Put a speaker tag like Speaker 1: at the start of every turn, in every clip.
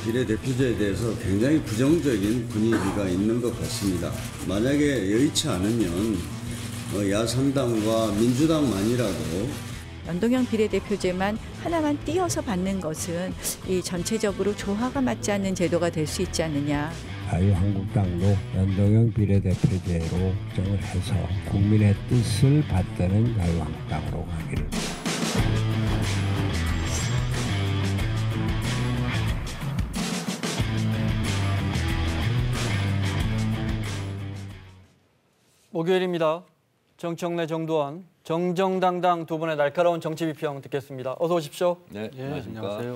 Speaker 1: 비례대표제에 대해서 굉장히 부정적인 분위기가 있는 것 같습니다. 만약에 여의치 않으면 야삼당과 민주당만이라도
Speaker 2: 연동형 비례대표제만 하나만 띄어서 받는 것은 이 전체적으로 조화가 맞지 않는 제도가 될 수 있지 않느냐.
Speaker 3: 자유한국당도 연동형 비례대표제로 정을 해서 국민의 뜻을 받드는 자유한국당으로 가기를.
Speaker 4: 목요일입니다. 정청래, 정두환, 정정당당 두 분의 날카로운 정치 비평 듣겠습니다. 어서 오십시오.
Speaker 5: 네,
Speaker 6: 안녕하세요.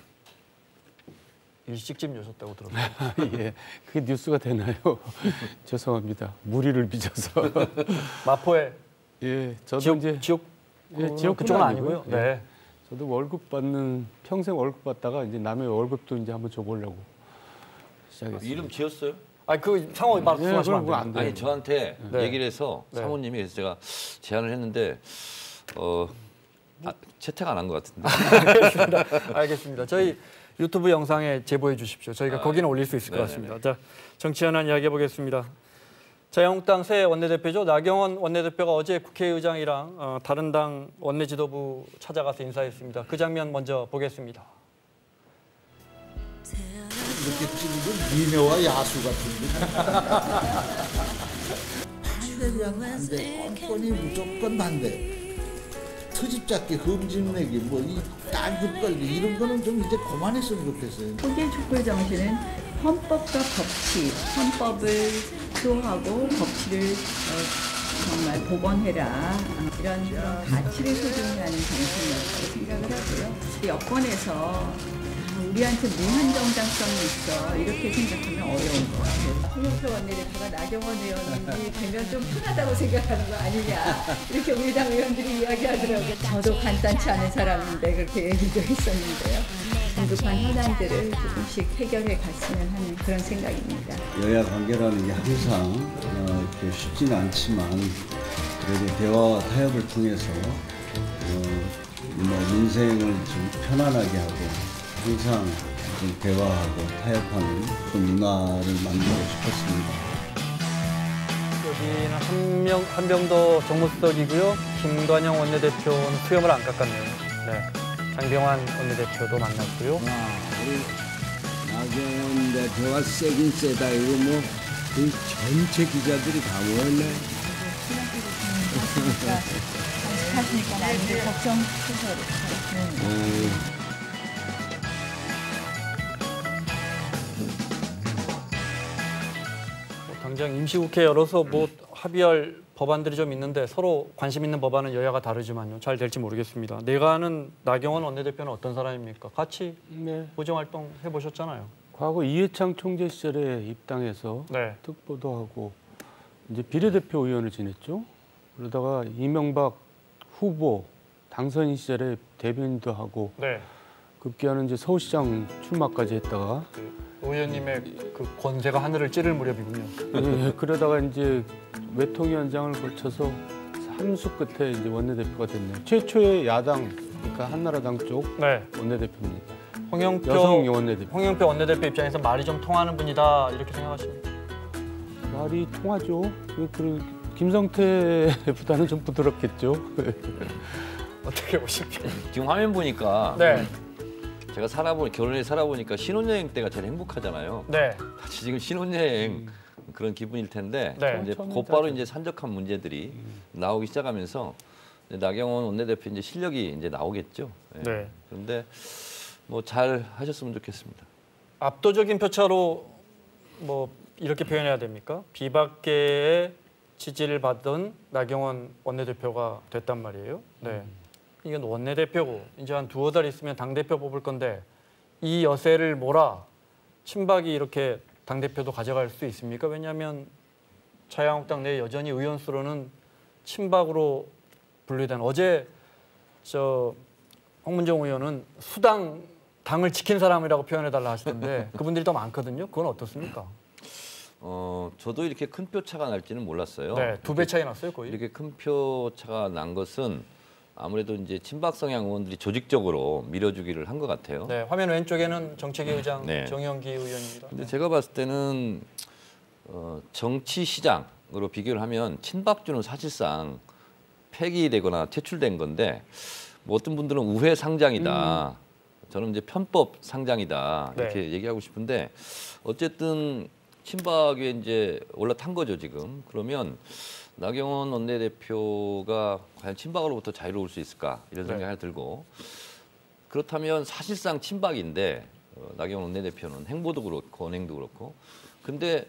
Speaker 4: 일식집 여셨다고 들었어요.
Speaker 6: 예, 그게 뉴스가 되나요? 죄송합니다. 무리를 빚어서.
Speaker 4: 마포에.
Speaker 6: 예, 저도 이제
Speaker 4: 지역 그쪽은 아니고요.
Speaker 6: 예.
Speaker 4: 네.
Speaker 6: 저도 월급 받는 평생 월급 받다가 이제 남의 월급도 이제 한번 줘보려고 시작했어요.
Speaker 5: 이름 지었어요?
Speaker 4: 그 상호 말씀하시면
Speaker 6: 그건
Speaker 4: 안 돼요.
Speaker 5: 아니 저한테
Speaker 4: 네.
Speaker 5: 얘기를 해서
Speaker 4: 네.
Speaker 5: 사모님이 그래서 제가 제안을 했는데 채택 안 한 것 같은데.
Speaker 4: 알겠습니다. 저희 유튜브 영상에 제보해 주십시오. 저희가 거기는 올릴 수 있을 것 같습니다. 자, 정치 현안 이야기해 보겠습니다. 자유한국당 새 원내대표죠. 나경원 원내대표가 어제 국회의장이랑 다른 당 원내 지도부 찾아가서 인사했습니다. 그 장면 먼저 보겠습니다.
Speaker 7: 이렇게 찍은 건 미녀와 야수 같은데. 반대면 반대, 뻔뻔히 무조건 반대. 트집잡기, 흠집내기, 이 딸기 걸기 이런 거는 좀 이제 그만했으면 좋겠어요.
Speaker 2: 독일 촛불 정신은 헌법과 법치, 헌법을 수호하고 법치를 정말 복원해라. 이런 가치를 소중히 하는 정신이었다고 생각을 하고요. 여권에서 우리한테 무한 정당성이 있어 이렇게 생각하면 어려운 것 같아요. 홍영표 원내대표가 나경원 의원이 되면 좀 편하다고 생각하는 거 아니냐 이렇게 우리 당 의원들이 이야기하더라고요. 저도 간단치 않은 사람인데 그렇게 얘기도 했었는데요. 긴급한 현안들을 조금씩 해결해 갔으면 하는 그런 생각입니다.
Speaker 1: 여야 관계라는 게 항상 이렇게 쉽지는 않지만 그래도 대화와 타협을 통해서 민생을 좀 편안하게 하고 항상 좀 대화하고 타협하는 그런 문화를 만들고 싶었습니다.
Speaker 4: 여기는 한병도 정무수석이고요. 김관영 원내대표는 수염을 안 깎았네요. 네. 장병환 원내대표도 만났고요.
Speaker 3: 우리 나경원 대표가 세긴 세다. 이거 그 전체 기자들이 다 모였네.
Speaker 2: 하시니까 나중에 걱정해서 그렇게.
Speaker 4: 당장 임시국회 열어서 합의할 법안들이 좀 있는데 서로 관심 있는 법안은 여야가 다르지만요. 잘 될지 모르겠습니다. 내가 아는 나경원 원내대표는 어떤 사람입니까? 같이 보정활동 해보셨잖아요.
Speaker 6: 과거 이해창 총재 시절에 입당해서
Speaker 4: 네.
Speaker 6: 특보도 하고 이제 비례대표 의원을 지냈죠. 그러다가 이명박 후보 당선인 시절에 대변인도 하고
Speaker 4: 네.
Speaker 6: 급기야는 이제 서울시장 출마까지 했다가
Speaker 4: 의원님의 그 권세가 하늘을 찌를 무렵이군요.
Speaker 6: 예, 그러다가 이제 외통위원장을 거쳐서 3수 끝에 이제 원내대표가 됐네요. 최초의 야당, 그러니까 한나라당 쪽
Speaker 4: 네.
Speaker 6: 원내대표입니다.
Speaker 4: 홍영표
Speaker 6: 원내대표.
Speaker 4: 홍영표 원내대표 입장에서 말이 좀 통하는 분이다 이렇게 생각하십니까?
Speaker 6: 말이 통하죠. 김성태보다는 좀 부드럽겠죠.
Speaker 4: 어떻게 보십니까?
Speaker 5: 지금 화면 보니까
Speaker 4: 네.
Speaker 5: 제가 결혼해 살아보니까 신혼여행 때가 제일 행복하잖아요.
Speaker 4: 네.
Speaker 5: 같이 지금 신혼여행 그런 기분일 텐데
Speaker 4: 네.
Speaker 5: 이제 곧바로 이제 산적한 문제들이 나오기 시작하면서 나경원 원내대표 이제 실력이 이제 나오겠죠. 네.
Speaker 4: 네.
Speaker 5: 그런데 잘 하셨으면 좋겠습니다.
Speaker 4: 압도적인 표차로 이렇게 표현해야 됩니까? 비박계의 지지를 받던 나경원 원내대표가 됐단 말이에요. 네. 이건 원내대표고 이제 한 두어 달 있으면 당대표 뽑을 건데 이 여세를 몰아 친박이 이렇게 당대표도 가져갈 수 있습니까? 왜냐하면 자유한국당 내 여전히 의원 수로는 친박으로 분류된 어제 홍문정 의원은 수당 당을 지킨 사람이라고 표현해달라 하시던데 그분들이 더 많거든요. 그건 어떻습니까?
Speaker 5: 저도 이렇게 큰 표 차가 날지는 몰랐어요.
Speaker 4: 네, 2배 차이 났어요, 거의.
Speaker 5: 이렇게 큰 표 차가 난 것은 아무래도 이제 친박 성향 의원들이 조직적으로 밀어주기를 한 것 같아요.
Speaker 4: 네, 화면 왼쪽에는 정책위 의장
Speaker 5: 네.
Speaker 4: 정영기 의원입니다.
Speaker 5: 근데 제가 봤을 때는 정치 시장으로 비교를 하면 친박주는 사실상 폐기되거나 퇴출된 건데 뭐 어떤 분들은 우회 상장이다. 저는 이제 편법 상장이다 이렇게
Speaker 4: 네.
Speaker 5: 얘기하고 싶은데 어쨌든 친박에 이제 올라탄 거죠 지금. 그러면 나경원 원내대표가 과연 친박으로부터 자유로울 수 있을까 이런 생각이 하나 들고 그렇다면 사실상 친박인데 나경원 원내대표는 행보도 그렇고 언행도 그렇고 근데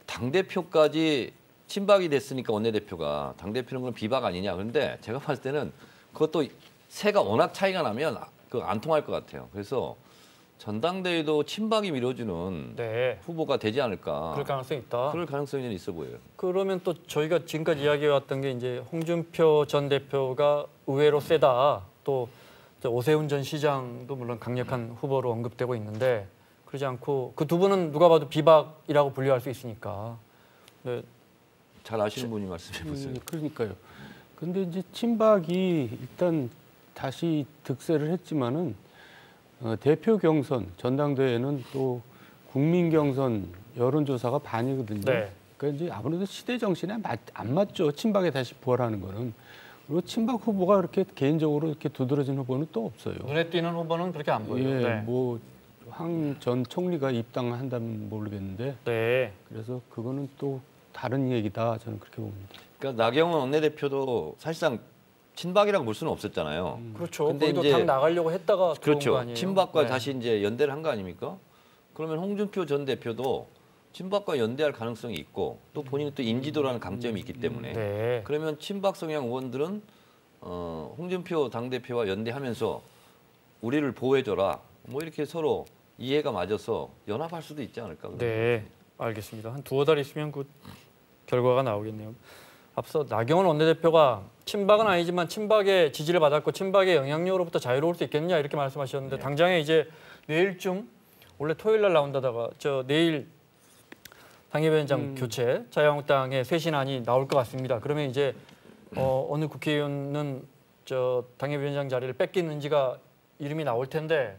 Speaker 5: 당대표까지 친박이 됐으니까 원내대표가 당대표는 그럼 비박 아니냐. 그런데 제가 봤을 때는 그것도 세가 워낙 차이가 나면 안 통할 것 같아요. 그래서 전당대회도 친박이 밀어주는
Speaker 4: 네.
Speaker 5: 후보가 되지 않을까.
Speaker 4: 그럴 가능성이 있다.
Speaker 5: 그럴 가능성이 있어 보여요.
Speaker 4: 그러면 또 저희가 지금까지 이야기해왔던 게 이제 홍준표 전 대표가 의외로 세다. 또 오세훈 전 시장도 물론 강력한 후보로 언급되고 있는데 그러지 않고 그 두 분은 누가 봐도 비박이라고 분류할 수 있으니까. 네.
Speaker 5: 잘 아시는 분이 말씀해 보세요.
Speaker 6: 그러니까요. 근데 이제 친박이 일단 다시 득세를 했지만은 대표 경선 전당대회는 또 국민 경선 여론조사가 반이거든요.
Speaker 4: 네.
Speaker 6: 그러니까 이제 아무래도 시대 정신에 안 맞죠. 친박에 다시 부활하는 거는. 그리고 친박 후보가 그렇게 개인적으로 이렇게 두드러진 후보는 또 없어요.
Speaker 4: 눈에 띄는 후보는 그렇게 안 보여요.
Speaker 6: 예,
Speaker 4: 네.
Speaker 6: 뭐 황 전 총리가 입당한다면 모르겠는데
Speaker 4: 네.
Speaker 6: 그래서 그거는 또 다른 얘기다 저는 그렇게 봅니다.
Speaker 5: 그러니까 나경원 원내대표도 사실상 친박이라고 볼 수는 없었잖아요.
Speaker 4: 그렇죠.
Speaker 5: 근데
Speaker 4: 거기도
Speaker 5: 이제
Speaker 4: 당 나가려고 했다가 들어온 거
Speaker 5: 그렇죠.
Speaker 4: 아니에요.
Speaker 5: 친박과
Speaker 4: 네.
Speaker 5: 다시 이제 연대를 한 거 아닙니까? 그러면 홍준표 전 대표도 친박과 연대할 가능성이 있고 또 본인은 또 인지도라는 강점이 있기 때문에
Speaker 4: 네.
Speaker 5: 그러면 친박 성향 의원들은 홍준표 당대표와 연대하면서 우리를 보호해줘라 뭐 이렇게 서로 이해가 맞아서 연합할 수도 있지 않을까.
Speaker 4: 네, 알겠습니다. 한 두어 달 있으면 그 결과가 나오겠네요. 앞서 나경원 원내대표가 친박은 아니지만 친박의 지지를 받았고 친박의 영향력으로부터 자유로울 수 있겠느냐 이렇게 말씀하셨는데 당장에 이제 내일쯤 원래 토요일 날 나온다다가 내일 당협위원장 교체 자유한국당의 쇄신안이 나올 것 같습니다. 그러면 이제 어느 국회의원은 당협위원장 자리를 뺏기는지가 이름이 나올 텐데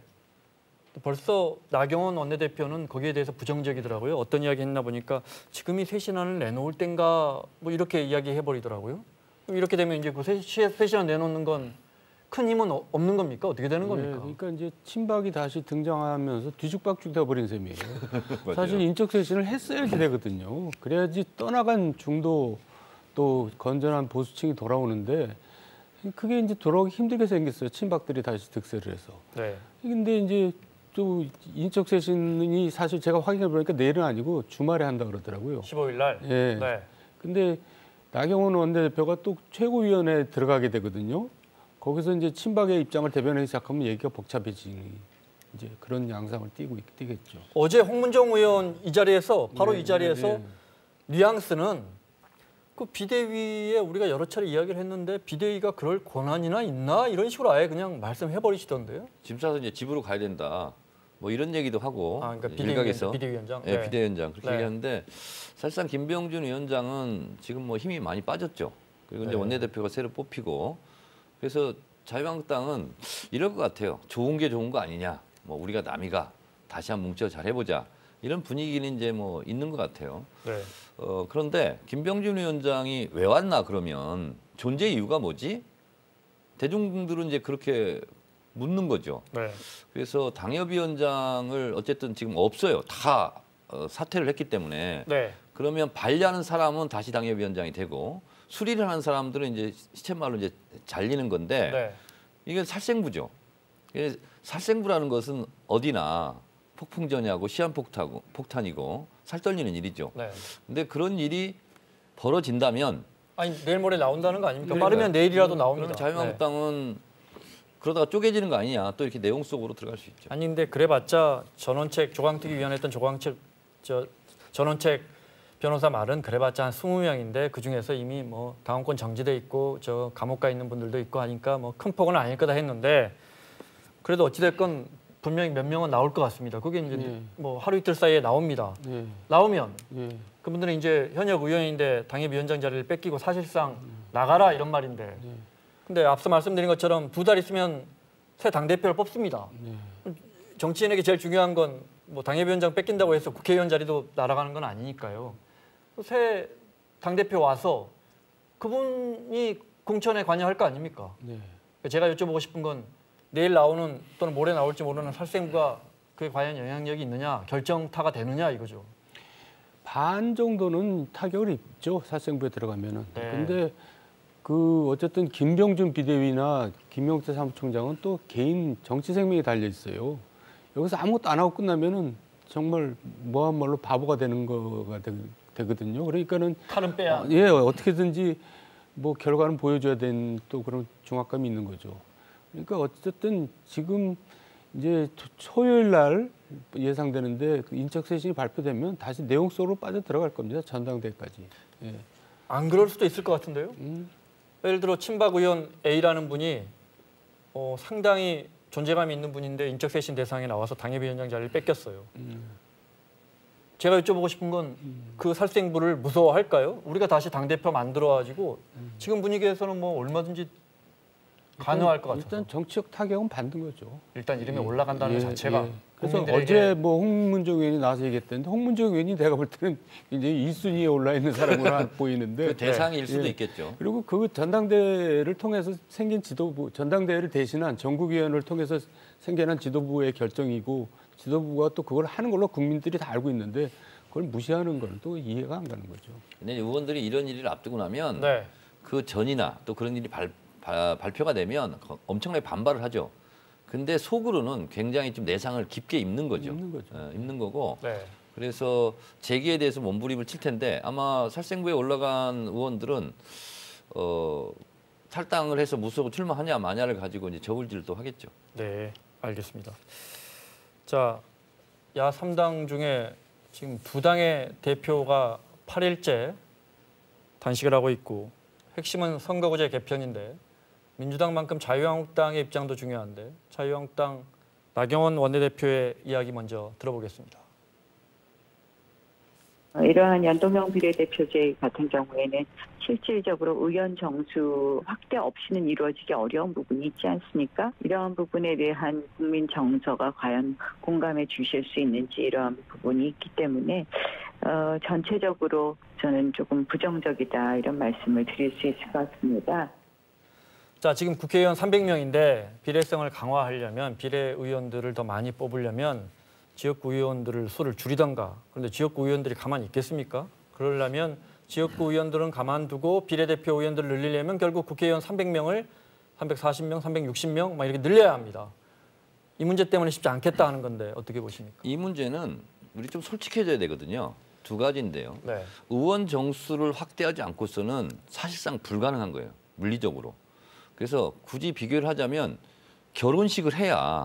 Speaker 4: 벌써 나경원 원내대표는 거기에 대해서 부정적이더라고요. 어떤 이야기 했나 보니까 지금이 쇄신안을 내놓을 땐가 뭐 이렇게 이야기해버리더라고요. 이렇게 되면 이제 그 쇄신안 내놓는 건 큰 힘은 없는 겁니까? 어떻게 되는 겁니까?
Speaker 6: 네, 그러니까 이제 친박이 다시 등장하면서 뒤죽박죽 돼버린 셈이에요.
Speaker 5: 맞아요.
Speaker 6: 사실 인적 쇄신을 했어야지 되거든요. 그래야지 떠나간 중도 또 건전한 보수층이 돌아오는데 그게 이제 돌아오기 힘들게 생겼어요. 친박들이 다시 득세를 해서.
Speaker 4: 네.
Speaker 6: 근데 이제 또 인적 쇄신이 사실 제가 확인해 보니까 내일은 아니고 주말에 한다 그러더라고요.
Speaker 4: 15일 날.
Speaker 6: 예.
Speaker 4: 네.
Speaker 6: 근데 나경원 원내대표가 또 최고위원회에 들어가게 되거든요. 거기서 이제 친박의 입장을 대변하기 시작하면 얘기가 복잡해지니 이제 그런 양상을 띠겠죠.
Speaker 4: 어제 홍문정 의원 이 자리에서 바로
Speaker 6: 네,
Speaker 4: 이 자리에서
Speaker 6: 네,
Speaker 4: 뉘앙스는 그 비대위에 우리가 여러 차례 이야기를 했는데 비대위가 그럴 권한이나 있나 이런 식으로 아예 그냥 말씀해 버리시던데요.
Speaker 5: 짐 싸서 이제 집으로 가야 된다. 뭐 이런 얘기도 하고
Speaker 4: 아, 그러니까
Speaker 5: 일각에서
Speaker 4: 비대위원장.
Speaker 5: 네, 비대위원장 그렇게
Speaker 4: 네.
Speaker 5: 얘기하는데 사실상 김병준 위원장은 지금 뭐 힘이 많이 빠졌죠. 그리고 이제 원내대표가 새로 뽑히고 그래서 자유한국당은 이럴 것 같아요. 좋은 게 좋은 거 아니냐. 뭐 우리가 남이가 다시 한번 뭉쳐 잘 해보자. 이런 분위기는 이제 뭐 있는 것 같아요.
Speaker 4: 네.
Speaker 5: 그런데 김병준 위원장이 왜 왔나 그러면 존재 이유가 뭐지? 대중들은 이제 그렇게 묻는 거죠.
Speaker 4: 네.
Speaker 5: 그래서 당협위원장을 어쨌든 지금 없어요. 다 사퇴를 했기 때문에
Speaker 4: 네.
Speaker 5: 그러면 관리하는 사람은 다시 당협위원장이 되고 수리를 하는 사람들은 이제 시쳇말로 이제 잘리는 건데
Speaker 4: 네.
Speaker 5: 이게 살생부죠. 이게 살생부라는 것은 어디나 폭풍전야고 시한폭탄이고 살떨리는 일이죠.
Speaker 4: 네.
Speaker 5: 근데 그런 일이 벌어진다면
Speaker 4: 아니 내일 모레 나온다는 거 아닙니까?
Speaker 5: 그러니까요.
Speaker 4: 빠르면 내일이라도 나옵니다.
Speaker 5: 그러면 자유한국당은 그러다가 쪼개지는 거 아니냐. 또 이렇게 내용 속으로 들어갈 수 있죠.
Speaker 4: 아니 근데 그래봤자 전원책 조광특위 위원했던 전원책 변호사 말은 그래봤자 한 20명인데 그 중에서 이미 뭐 당원권 정지돼 있고 감옥 가 있는 분들도 있고 하니까 뭐 큰 폭은 아닐 거다 했는데 그래도 어찌됐건 분명히 몇 명은 나올 것 같습니다. 그게 이제 뭐 하루 이틀 사이에 나옵니다. 나오면 그분들은 이제 현역 의원인데 당협위원장 자리를 뺏기고 사실상 나가라 이런 말인데 근데 앞서 말씀드린 것처럼 2달 있으면 새 당대표를 뽑습니다. 정치인에게 제일 중요한 건 뭐 당협위원장 뺏긴다고 해서 국회의원 자리도 날아가는 건 아니니까요. 새 당대표 와서 그분이 공천에 관여할 거 아닙니까?
Speaker 6: 네.
Speaker 4: 제가 여쭤보고 싶은 건 내일 나오는 또는 모레 나올지 모르는 살생부가 그에 과연 영향력이 있느냐, 결정타가 되느냐 이거죠.
Speaker 6: 반 정도는 타격을 입죠. 살생부에 들어가면은.
Speaker 4: 네.
Speaker 6: 근데 그 어쨌든 김병준 비대위나 김용태 사무총장은 또 개인 정치 생명이 달려 있어요. 여기서 아무것도 안 하고 끝나면은 정말 뭐한말로 바보가 되는 거가 되거든요. 그러니까는
Speaker 4: 칼은 빼야.
Speaker 6: 예, 어떻게든지 뭐 결과는 보여줘야 되는 또 그런 중압감이 있는 거죠. 그러니까 어쨌든 지금 이제 토요일 날 예상되는데 그 인적 쇄신이 발표되면 다시 내용 속으로 빠져 들어갈 겁니다. 전당대회까지. 예.
Speaker 4: 안 그럴 수도 있을 것 같은데요. 예를 들어 친박 의원 A라는 분이 상당히 존재감이 있는 분인데 인적 쇄신 대상에 나와서 당협위원장 자리를 뺏겼어요. 제가 여쭤보고 싶은 건 그 살생부를 무서워할까요? 우리가 다시 당대표 만들어가지고 지금 분위기에서는 뭐 얼마든지 가능할 것 같아요.
Speaker 6: 일단 정치적 타격은 받는 거죠.
Speaker 4: 일단 이름이 올라간다는 것 자체가.
Speaker 6: 그래서
Speaker 4: 국민들에게
Speaker 6: 어제 뭐 홍문정 의원이 나와서 얘기했던데 홍문정 의원이 내가 볼 때는 이제 1순위에 올라 있는 사람으로 보이는데
Speaker 5: 그 대상일 수도
Speaker 6: 예.
Speaker 5: 있겠죠.
Speaker 6: 그리고 그 전당대회를 통해서 생긴 지도부, 전당대회를 대신한 전국위원을 통해서 생겨난 지도부의 결정이고 지도부가 또 그걸 하는 걸로 국민들이 다 알고 있는데 그걸 무시하는 건 또 이해가 안 가는 거죠.
Speaker 5: 근데 의원들이 이런 일을 앞두고 나면
Speaker 4: 네.
Speaker 5: 그 전이나 또 그런 일이 발표가 되면 엄청나게 반발을 하죠. 근데 속으로는 굉장히 좀 내상을 깊게 입는 거죠.
Speaker 6: 입는 거죠.
Speaker 5: 입는 거고.
Speaker 4: 네.
Speaker 5: 그래서 재기에 대해서 몸부림을 칠 텐데 아마 살생부에 올라간 의원들은 탈당을 해서 무소속 출마하냐 마냐를 가지고 이제 저울질도 하겠죠.
Speaker 4: 네, 알겠습니다. 자, 야 3당 중에 지금 2당의 대표가 8일째 단식을 하고 있고 핵심은 선거구제 개편인데 민주당만큼 자유한국당의 입장도 중요한데 자유한국당 나경원 원내대표의 이야기 먼저 들어보겠습니다.
Speaker 8: 이러한 연동형 비례대표제 같은 경우에는 실질적으로 의원 정수 확대 없이는 이루어지기 어려운 부분이 있지 않습니까? 이러한 부분에 대한 국민 정서가 과연 공감해 주실 수 있는지 이러한 부분이 있기 때문에 전체적으로 저는 조금 부정적이다 이런 말씀을 드릴 수 있을 것 같습니다.
Speaker 4: 자, 지금 국회의원 300명인데 비례성을 강화하려면 비례의원들을 더 많이 뽑으려면 지역구 의원들을 수를 줄이던가. 그런데 지역구 의원들이 가만히 있겠습니까? 그러려면 지역구 의원들은 가만두고 비례대표 의원들을 늘리려면 결국 국회의원 300명을 340명, 360명 막 이렇게 늘려야 합니다. 이 문제 때문에 쉽지 않겠다 하는 건데 어떻게 보십니까?
Speaker 5: 이 문제는 우리 좀 솔직해져야 되거든요. 두 가지인데요.
Speaker 4: 네.
Speaker 5: 의원 정수를 확대하지 않고서는 사실상 불가능한 거예요. 물리적으로. 그래서 굳이 비교를 하자면 결혼을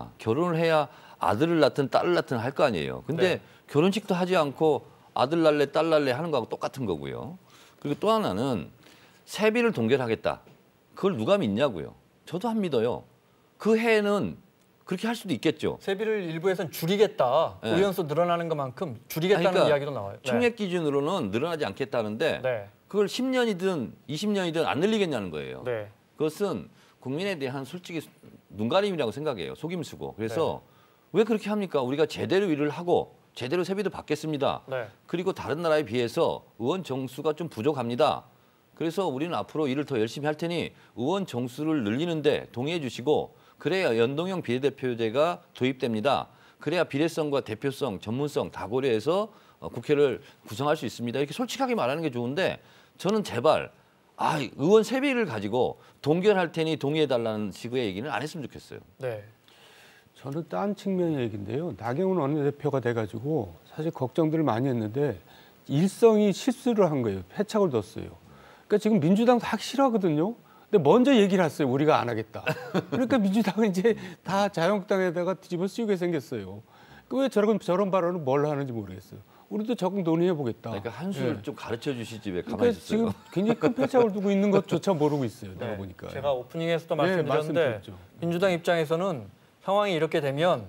Speaker 5: 해야 아들을 낳든 딸을 낳든 할 거 아니에요. 근데
Speaker 4: 네.
Speaker 5: 결혼식도 하지 않고 아들 날래 딸 날래 하는 거하고 똑같은 거고요. 그리고 또 하나는 세비를 동결하겠다. 그걸 누가 믿냐고요. 저도 안 믿어요. 그 해에는 그렇게 할 수도 있겠죠.
Speaker 4: 세비를 일부에서는 줄이겠다.
Speaker 5: 네.
Speaker 4: 의원수 늘어나는 것만큼 줄이겠다는
Speaker 5: 그러니까
Speaker 4: 이야기도 나와요. 네.
Speaker 5: 총액 기준으로는 늘어나지 않겠다는데
Speaker 4: 네.
Speaker 5: 그걸 10년이든 20년이든 안 늘리겠냐는 거예요.
Speaker 4: 네.
Speaker 5: 그것은 국민에 대한 솔직히 눈가림이라고 생각해요. 속임수고. 그래서 왜 그렇게 합니까? 우리가 제대로 일을 하고 제대로 세비도 받겠습니다.
Speaker 4: 네.
Speaker 5: 그리고 다른 나라에 비해서 의원 정수가 좀 부족합니다. 그래서 우리는 앞으로 일을 더 열심히 할 테니 의원 정수를 늘리는데 동의해 주시고 그래야 연동형 비례대표제가 도입됩니다. 그래야 비례성과 대표성, 전문성 다 고려해서 국회를 구성할 수 있습니다. 이렇게 솔직하게 말하는 게 좋은데 저는 제발 의원 세비를 가지고 동결할 테니 동의해달라는 식의 얘기는 안 했으면 좋겠어요.
Speaker 4: 네.
Speaker 6: 저는 딴 측면의 얘기인데요. 나경원 원내대표가 돼가지고 사실 걱정들을 많이 했는데 일성이 실수를 한 거예요. 패착을 뒀어요. 그러니까 지금 민주당도 하기 싫어하거든요. 근데 먼저 얘기를 했어요. 우리가 안 하겠다. 그러니까 민주당은 이제 다 자유한국당에다가 뒤집어 씌우게 생겼어요. 왜 저런 발언을 뭘 하는지 모르겠어요. 우리도 적극 논의해 보겠다.
Speaker 5: 그러니까 한술 좀 가르쳐 주시지 왜 가만히
Speaker 6: 그러니까
Speaker 5: 있었어요.
Speaker 6: 지금 굉장히 큰 패착을 두고 있는 것조차 모르고 있어요. 내가
Speaker 4: 네.
Speaker 6: 보니까.
Speaker 4: 제가 오프닝에서도
Speaker 6: 네,
Speaker 4: 말씀드렸는데
Speaker 6: 말씀드렸죠.
Speaker 4: 민주당 입장에서는 상황이 이렇게 되면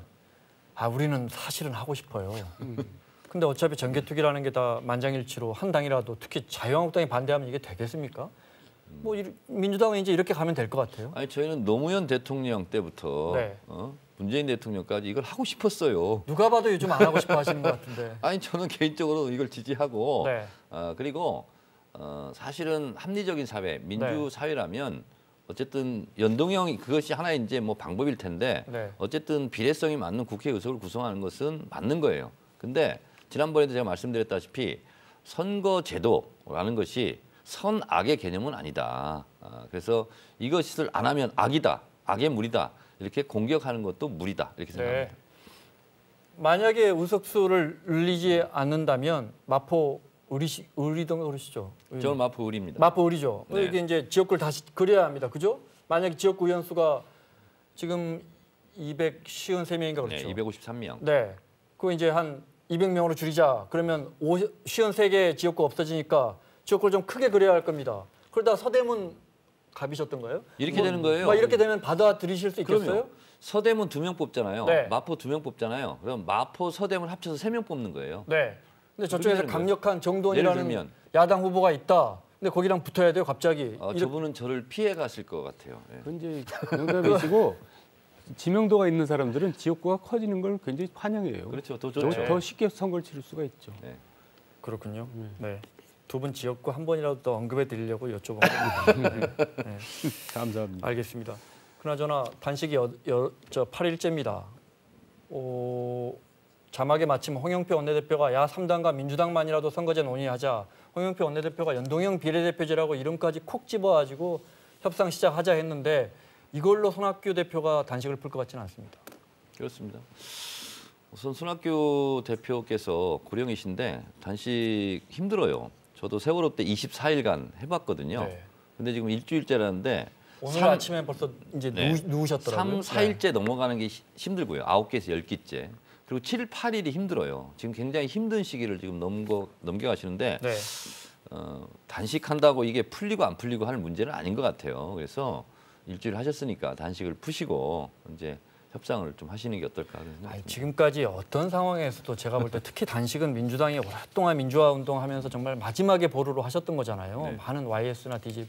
Speaker 4: 우리는 사실은 하고 싶어요. 근데 어차피 정개특위라는 게 다 만장일치로 한 당이라도 특히 자유한국당이 반대하면 이게 되겠습니까? 뭐 민주당은 이제 이렇게 가면 될 것 같아요.
Speaker 5: 아니 저희는 노무현 대통령 때부터
Speaker 4: 네.
Speaker 5: 문재인 대통령까지 이걸 하고 싶었어요.
Speaker 4: 누가 봐도 요즘 안 하고 싶어 하시는 것 같은데.
Speaker 5: 아니 저는 개인적으로 이걸 지지하고
Speaker 4: 네.
Speaker 5: 그리고 사실은 합리적인 사회, 민주
Speaker 4: 네.
Speaker 5: 사회라면 어쨌든 연동형 그것이 하나의 이제 뭐 방법일 텐데
Speaker 4: 네.
Speaker 5: 어쨌든 비례성이 맞는 국회 의석을 구성하는 것은 맞는 거예요. 근데 지난번에도 제가 말씀드렸다시피 선거제도라는 것이 선악의 개념은 아니다. 그래서 이것을 안 하면 악이다, 악의 무리다 이렇게 공격하는 것도 무리다 이렇게 생각합니다.
Speaker 4: 네. 만약에 의석수를 늘리지 않는다면 마포 의리동 그러시죠?
Speaker 5: 저는 마포 의리입니다.
Speaker 4: 마포 의리죠.
Speaker 5: 네.
Speaker 4: 이게 이제 지역구를 다시 그려야 합니다. 그죠? 만약에 지역구 의원수가 지금 253명인가 그렇죠?
Speaker 5: 네, 253명.
Speaker 4: 네. 그거 이제 한 200명으로 줄이자. 그러면 53개 지역구 없어지니까 지역구를 좀 크게 그려야 할 겁니다. 그러다 서대문 갑이셨던가요?
Speaker 5: 이렇게 되는 거예요.
Speaker 4: 뭐 이렇게 되면 받아들이실 수 있겠어요?
Speaker 5: 그럼요. 서대문 2명 뽑잖아요.
Speaker 4: 네.
Speaker 5: 마포 2명 뽑잖아요. 그럼 마포, 서대문 합쳐서 3명 뽑는 거예요.
Speaker 4: 네. 근데 저쪽에서
Speaker 5: 되는
Speaker 4: 강력한
Speaker 5: 예를
Speaker 4: 정도원이라는
Speaker 5: 들면.
Speaker 4: 야당 후보가 있다. 근데 거기랑 붙어야 돼요, 갑자기.
Speaker 5: 저분은 저를 피해 갔을 것 같아요. 예.
Speaker 6: 그건 이제 농담이시고 지명도가 있는 사람들은 지역구가 커지는 걸 굉장히 환영해요.
Speaker 5: 그렇죠. 더
Speaker 6: 더,
Speaker 5: 좋죠.
Speaker 6: 더 쉽게 선거를 치를 수가 있죠.
Speaker 5: 네.
Speaker 4: 그렇군요. 네. 두 분 지역구 한 번이라도 더 언급해 드리려고 여쭤본 겁니다. 네.
Speaker 6: 감사합니다.
Speaker 4: 알겠습니다. 그나저나 단식이 저 8일째입니다. 자막에 마침 홍영표 원내대표가 야 3당과 민주당만이라도 선거제 논의하자. 홍영표 원내대표가 연동형 비례대표제라고 이름까지 콕 집어가지고 협상 시작하자 했는데 이걸로 손학규 대표가 단식을 풀 것 같지는 않습니다.
Speaker 5: 그렇습니다. 우선 손학규 대표께서 고령이신데 단식 힘들어요. 저도 세월호 때 24일간 해봤거든요.
Speaker 4: 네.
Speaker 5: 근데 지금 일주일째라는데
Speaker 4: 오늘 아침에 벌써 이제
Speaker 5: 네.
Speaker 4: 누우셨더라고요.
Speaker 5: 3, 4일째 넘어가는 게 힘들고요. 9개에서 10개째. 그리고 7, 8일이 힘들어요. 지금 굉장히 힘든 시기를 지금 넘겨가시는데
Speaker 4: 네.
Speaker 5: 단식한다고 이게 풀리고 안 풀리고 할 문제는 아닌 것 같아요. 그래서 일주일 하셨으니까 단식을 푸시고 이제 협상을 좀 하시는 게 어떨까 하는 생각입니다.
Speaker 4: 지금까지 어떤 상황에서도 제가 볼 때 특히 단식은 민주당이 오랫동안 민주화 운동하면서 정말 마지막에 보루로 하셨던 거잖아요.
Speaker 5: 네.
Speaker 4: 많은 YS나 DG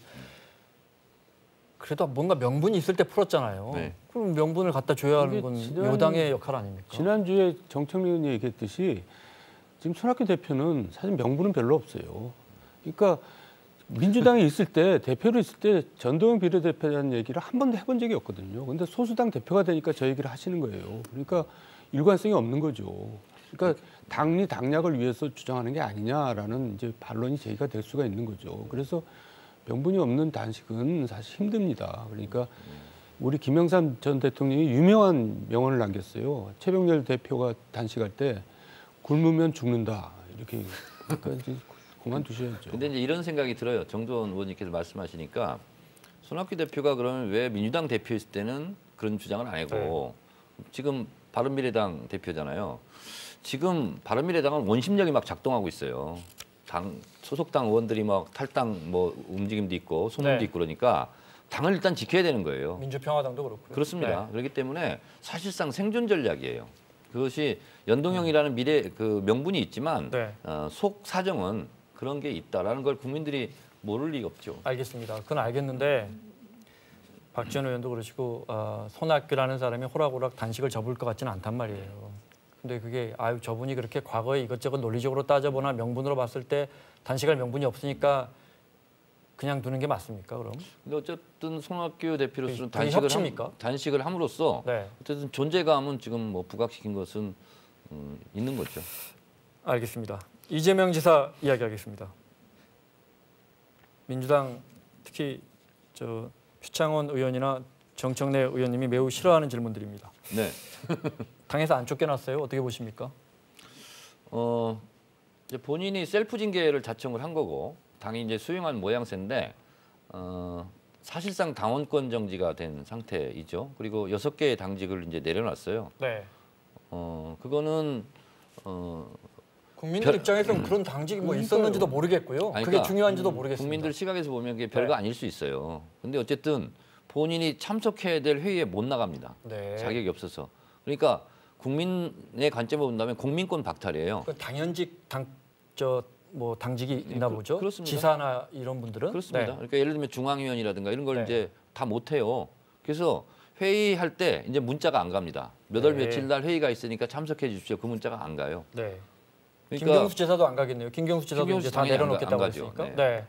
Speaker 4: 그래도 뭔가 명분이 있을 때 풀었잖아요.
Speaker 5: 네.
Speaker 4: 그럼 명분을 갖다 줘야 하는 건 여당의 역할 아닙니까?
Speaker 6: 지난주에 정청래 의원이 얘기했듯이 지금 손학규 대표는 사실 명분은 별로 없어요. 그러니까 민주당에 있을 때 대표로 있을 때 전동형 비례대표라는 얘기를 한 번도 해본 적이 없거든요. 근데 소수당 대표가 되니까 저 얘기를 하시는 거예요. 그러니까 일관성이 없는 거죠. 그러니까 당리 당략을 위해서 주장하는 게 아니냐라는 이제 반론이 제기가 될 수가 있는 거죠. 그래서 명분이 없는 단식은 사실 힘듭니다. 그러니까 우리 김영삼 전 대통령이 유명한 명언을 남겼어요. 최병렬 대표가 단식할 때 굶으면 죽는다 이렇게 그러니까 이제 그만두셔야죠.
Speaker 5: 근데 이제 이런 생각이 들어요. 정조원 의원님께서 말씀하시니까 손학규 대표가 그러면 왜 민주당 대표였을 때는 그런 주장을 안 하고 지금 바른미래당 대표잖아요. 지금 바른미래당은 원심력이 막 작동하고 있어요. 소속당 의원들이 막 탈당 뭐 움직임도 있고 소문도 있고 그러니까 당을 일단 지켜야 되는 거예요.
Speaker 4: 민주평화당도 그렇고요.
Speaker 5: 그렇습니다. 그렇기 때문에 사실상 생존 전략이에요. 그것이 연동형이라는 그 명분이 있지만 속 사정은 그런 게 있다라는 걸 국민들이 모를 리가 없죠.
Speaker 4: 알겠습니다. 그건 알겠는데 박지원 의원도 그러시고 손학규라는 사람이 호락호락 단식을 접을 것 같지는 않단 말이에요. 근데 그게 저분이 그렇게 과거에 이것저것 논리적으로 따져보나 명분으로 봤을 때 단식할 명분이 없으니까 그냥 두는 게 맞습니까? 그럼?
Speaker 5: 근데 어쨌든 손학규 대표로서는 단식을 함으로써 어쨌든 존재감은 지금 뭐 부각시킨 것은 있는 거죠.
Speaker 4: 알겠습니다. 이재명 지사 이야기하겠습니다. 민주당 특히 표창원 의원이나 정청래 의원님이 매우 싫어하는 질문들입니다.
Speaker 5: 네.
Speaker 4: 당에서 안 쫓겨났어요? 어떻게 보십니까?
Speaker 5: 이제 본인이 셀프 징계를 자청을 한 거고 당이 이제 수용한 모양새인데 사실상 당원권 정지가 된 상태이죠. 그리고 6개의 당직을 이제 내려놨어요.
Speaker 4: 네.
Speaker 5: 그거는
Speaker 4: 국민들 입장에서는 그런 당직이 뭐 있었는지도 모르겠고요.
Speaker 5: 아니,
Speaker 4: 그게 중요한지도 모르겠습니다.
Speaker 5: 국민들 시각에서 보면 그게 별거 아닐 수 있어요. 근데 어쨌든 본인이 참석해야 될 회의에 못 나갑니다. 자격이 없어서. 그러니까 국민의 관점으로 본다면 국민권 박탈이에요.
Speaker 4: 그 당연직 뭐 당직이 있나 보죠.
Speaker 5: 그렇습니다.
Speaker 4: 지사나 이런 분들은
Speaker 5: 그렇습니다.
Speaker 4: 네.
Speaker 5: 그러니까 예를 들면 중앙위원이라든가 이런 걸
Speaker 4: 네.
Speaker 5: 이제 다 못해요. 그래서 회의할 때 이제 문자가 안 갑니다. 몇 월
Speaker 4: 네.
Speaker 5: 며칠 날 회의가 있으니까 참석해 주십시오. 그 문자가 안 가요.
Speaker 4: 네.
Speaker 5: 그러니까
Speaker 4: 김경수 지사도 안 가겠네요. 김경수 지사도
Speaker 5: 김경수
Speaker 4: 이제 다
Speaker 5: 당연히 안
Speaker 4: 내려놓겠다고
Speaker 5: 가죠.
Speaker 4: 했으니까.
Speaker 5: 네.
Speaker 4: 네.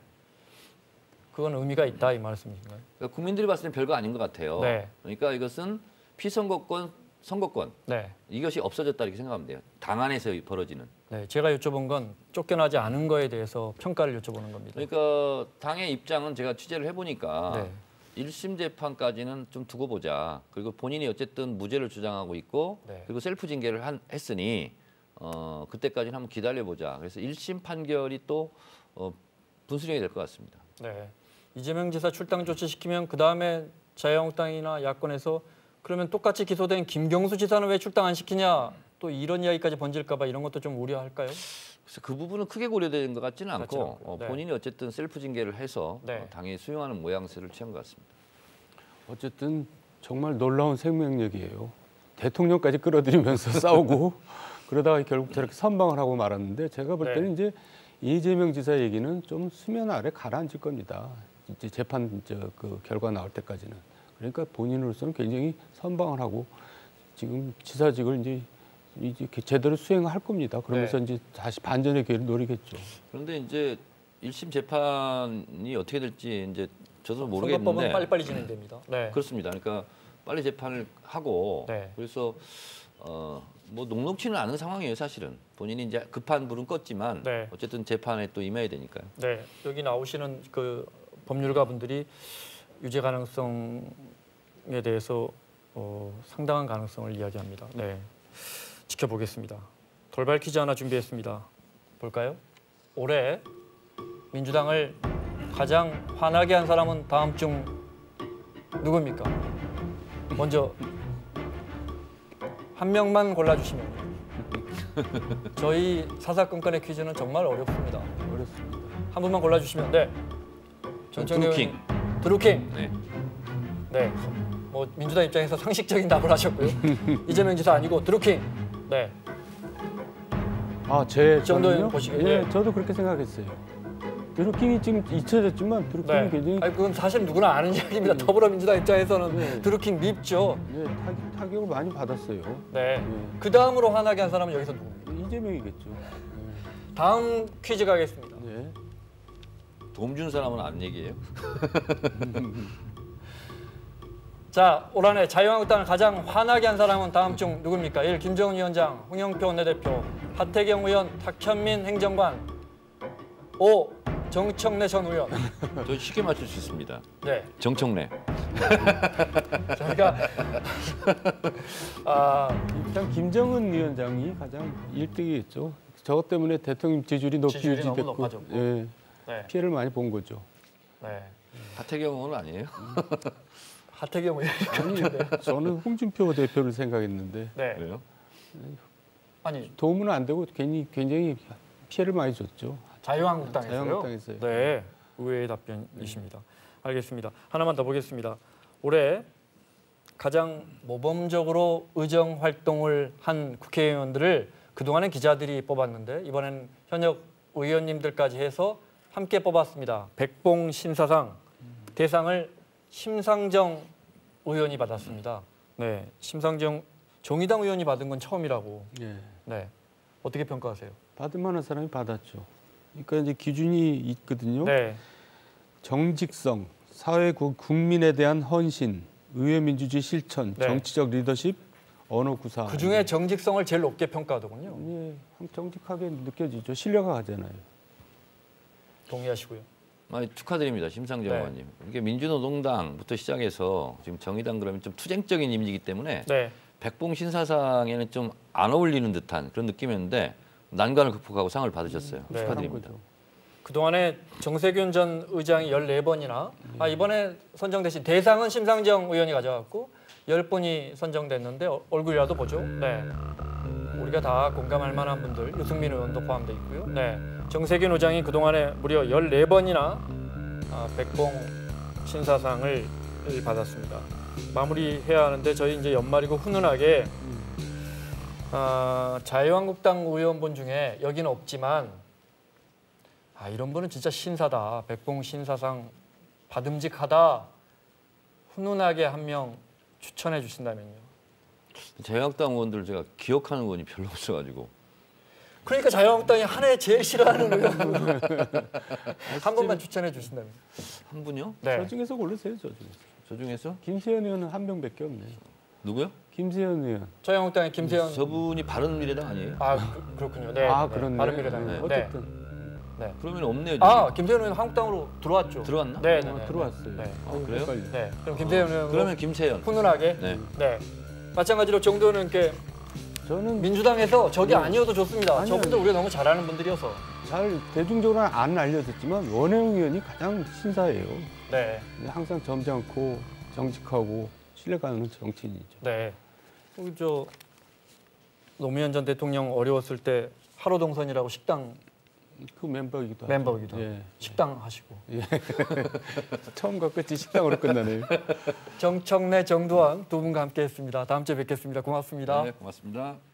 Speaker 4: 그건 의미가 있다 이 말씀이신가요?
Speaker 5: 그러니까 국민들이 봤을 땐 별거 아닌 것 같아요.
Speaker 4: 네.
Speaker 5: 그러니까 이것은 피선거권, 선거권
Speaker 4: 네.
Speaker 5: 이것이 없어졌다 이렇게 생각하면 돼요. 당 안에서 벌어지는.
Speaker 4: 네. 제가 여쭤본 건 쫓겨나지 않은 거에 대해서 평가를 여쭤보는 겁니다.
Speaker 5: 그러니까 당의 입장은 제가 취재를 해보니까
Speaker 4: 네.
Speaker 5: 1심 재판까지는 좀 두고 보자. 그리고 본인이 어쨌든 무죄를 주장하고 있고
Speaker 4: 네.
Speaker 5: 그리고 셀프 징계를 했으니 그때까지는 한번 기다려보자. 그래서 1심 판결이 또 분수령이 될 것 같습니다.
Speaker 4: 네. 이재명 지사 출당 조치시키면 그다음에 자유한국당이나 야권에서 그러면 똑같이 기소된 김경수 지사는 왜 출당 안 시키냐 또 이런 이야기까지 번질까 봐 이런 것도 좀 우려할까요?
Speaker 5: 그래서 그 부분은 크게 고려되는 것 같지는
Speaker 4: 그렇진
Speaker 5: 않고
Speaker 4: 않고요. 네.
Speaker 5: 본인이 어쨌든 셀프 징계를 해서
Speaker 4: 네.
Speaker 5: 당이 수용하는 모양새를 취한 것 같습니다.
Speaker 6: 어쨌든 정말 놀라운 생명력이에요. 대통령까지 끌어들이면서 싸우고 그러다가 결국 저렇게 선방을 하고 말았는데 제가 볼 때는 이제 이재명 지사 얘기는 좀 수면 아래 가라앉을 겁니다. 이제 재판 그 결과 나올 때까지는. 그러니까 본인으로서는 굉장히 선방을 하고 지금 지사직을 이제 제대로 수행할 겁니다. 그러면서 이제 다시 반전의 기회를 노리겠죠.
Speaker 5: 그런데 이제 1심 재판이 어떻게 될지 이제 저도
Speaker 4: 선거법은
Speaker 5: 모르겠는데
Speaker 4: 빨리빨리 진행됩니다. 네.
Speaker 5: 그렇습니다. 그러니까 빨리 재판을 하고
Speaker 4: 네.
Speaker 5: 그래서 뭐 녹록치는 않은 상황이에요. 사실은 본인이 이제 급한 불은 껐지만
Speaker 4: 네.
Speaker 5: 어쨌든 재판에 또 임해야 되니까요.
Speaker 4: 네. 여기 나오시는 그 법률가 분들이 유죄 가능성에 대해서 상당한 가능성을 이야기합니다. 네. 지켜보겠습니다. 돌발 퀴즈 하나 준비했습니다. 볼까요? 올해 민주당을 가장 화나게 한 사람은 다음 중 누구입니까? 먼저 한 명만 골라주시면 저희 사사건건의 퀴즈는 정말 어렵습니다.
Speaker 6: 어렵습니다.
Speaker 4: 한 분만 골라주시면 네.
Speaker 5: 드루킹.
Speaker 4: 드루킹.
Speaker 5: 네.
Speaker 4: 네. 뭐 민주당 입장에서 상식적인 답을 하셨고요. 이재명 지사 아니고 드루킹. 네.
Speaker 6: 아, 제
Speaker 4: 이 정도는
Speaker 6: 저는요?
Speaker 4: 보시겠네요.
Speaker 6: 예, 저도 그렇게 생각했어요. 드루킹이 지금 잊혀졌지만 드루킹이
Speaker 4: 네.
Speaker 6: 굉장히
Speaker 4: 아니, 그건 사실 누구나 아는 이야기입니다. 더불어민주당 입장에서는
Speaker 6: 네.
Speaker 4: 드루킹 밉죠.
Speaker 6: 예, 타격을 많이 받았어요.
Speaker 4: 네.
Speaker 6: 예.
Speaker 4: 그 다음으로 화나게 한 사람은 여기서 누구입니까?
Speaker 6: 이재명이겠죠.
Speaker 4: 다음 퀴즈 가겠습니다.
Speaker 6: 예.
Speaker 5: 도움 준 사람은 안 얘기해요.
Speaker 4: 자, 올 한해 자유한국당을 가장 화나게 한 사람은 다음 중 누굽니까? 1. 김정은 위원장, 홍영표 원내대표, 하태경 의원, 탁현민 행정관. 5. 정청래 전 의원.
Speaker 5: 저 쉽게 맞출 수 있습니다.
Speaker 4: 네.
Speaker 5: 정청래.
Speaker 4: 저희가
Speaker 6: 일단 김정은 위원장이 가장 1등이겠죠. 저것 때문에 대통령 지지율이 높이
Speaker 4: 지지율이 너무
Speaker 6: 유지됐고
Speaker 4: 높아졌고.
Speaker 6: 예,
Speaker 4: 네.
Speaker 6: 피해를 많이 본 거죠.
Speaker 4: 네.
Speaker 5: 하태경 의원 아니에요?
Speaker 4: 하태경 의원이
Speaker 6: 아니, 저는 홍준표 대표를 생각했는데
Speaker 4: 네.
Speaker 5: 그래요?
Speaker 4: 아니,
Speaker 6: 도움은 안 되고 굉장히 피해를 많이 줬죠.
Speaker 4: 자유한국당에서요?
Speaker 6: 자유한국당에서요.
Speaker 4: 네. 의외의 답변이십니다. 알겠습니다. 하나만 더 보겠습니다. 올해 가장 모범적으로 의정 활동을 한 국회의원들을 그동안은 기자들이 뽑았는데 이번엔 현역 의원님들까지 해서 함께 뽑았습니다. 백봉 신사상 대상을 심상정 의원이 받았습니다. 네, 심상정 정의당 의원이 받은 건 처음이라고.
Speaker 6: 예.
Speaker 4: 네, 어떻게 평가하세요?
Speaker 6: 받을 만한 사람이 받았죠. 그러니까 이제 기준이 있거든요.
Speaker 4: 네,
Speaker 6: 정직성, 사회 국민에 대한 헌신, 의회 민주주의 실천,
Speaker 4: 네.
Speaker 6: 정치적 리더십, 언어 구사.
Speaker 4: 그 중에 정직성을 제일 높게 평가하더군요.
Speaker 6: 예, 정직하게 느껴지죠. 신뢰가 가잖아요.
Speaker 4: 동의하시고요.
Speaker 5: 축하드립니다, 심상정
Speaker 4: 네.
Speaker 5: 의원님. 이게 민주노동당부터 시작해서 지금 정의당 그러면 좀 투쟁적인 이미지이기 때문에
Speaker 4: 네,
Speaker 5: 백봉 신사상에는 좀 안 어울리는 듯한 그런 느낌이었는데 난관을 극복하고 상을 받으셨어요.
Speaker 4: 네.
Speaker 5: 축하드립니다.
Speaker 6: 거죠.
Speaker 4: 그동안에 정세균 전 의장이 14번이나 이번에 선정되신 대상은 심상정 의원이 가져갔고 10분이 선정됐는데 얼굴이라도 보죠. 네. 우리가 다 공감할 만한 분들, 유승민 의원도 포함되어 있고요. 네. 정세균 의장이 그동안에 무려 14번이나 백봉 신사상을 받았습니다. 마무리해야 하는데 저희 이제 연말이고 훈훈하게 자유한국당 의원분 중에 여기는 없지만 아, 이런 분은 진짜 신사다. 백봉 신사상 받음직하다. 훈훈하게 한 명 추천해 주신다면요.
Speaker 5: 자유한국당 의원들 제가 기억하는 의원이 별로 없어가지고.
Speaker 4: 그러니까 자유한국당이 한 해 제일 싫어하는 의원 한 번만 추천해 주신다면.
Speaker 5: 한 분요?
Speaker 4: 네.
Speaker 6: 저 중에서 고르세요. 저 중에서.
Speaker 5: 저 중에서?
Speaker 6: 김세현 의원은 한 명밖에 없네요.
Speaker 5: 누구요?
Speaker 6: 김세현 의원.
Speaker 4: 자유한국당의 김세현.
Speaker 5: 저분이 바른미래당 아니에요?
Speaker 4: 아, 그렇군요. 네.
Speaker 6: 아,
Speaker 4: 네.
Speaker 6: 그렇네.
Speaker 4: 바른미래당.
Speaker 5: 네.
Speaker 6: 어쨌든
Speaker 4: 네.
Speaker 5: 그러면 없네요.
Speaker 4: 아, 김세현 의원 한국당으로 들어왔죠.
Speaker 5: 들어왔나?
Speaker 4: 네, 네, 네.
Speaker 6: 들어왔어요.
Speaker 4: 네.
Speaker 5: 그래요?
Speaker 6: 헷갈려.
Speaker 4: 네. 그럼 김세현 의원
Speaker 5: 그러면 김세현.
Speaker 4: 훈훈하게.
Speaker 5: 네.
Speaker 4: 네. 마찬가지로 정도는 이렇게
Speaker 6: 저는
Speaker 4: 민주당에서 적이 아니어도 좋습니다.
Speaker 6: 아니요.
Speaker 4: 저분들 우리가 너무 잘하는 분들이어서.
Speaker 6: 잘 대중적으로 안 알려졌지만 원혜영 의원이 가장 신사예요.
Speaker 4: 네.
Speaker 6: 항상 점잖고 정직하고 신뢰가는 정치인이죠.
Speaker 4: 네. 우리 저 노무현 전 대통령 어려웠을 때 하로동선이라고 식당
Speaker 6: 그 멤버이기도 하고.
Speaker 4: 멤버이기도 하고
Speaker 6: 예.
Speaker 4: 식당 하시고.
Speaker 6: 처음과 끝이 식당으로 끝나네요.
Speaker 4: 정청래, 정두환 두 분과 함께했습니다. 다음 주에 뵙겠습니다. 고맙습니다.
Speaker 5: 네, 고맙습니다.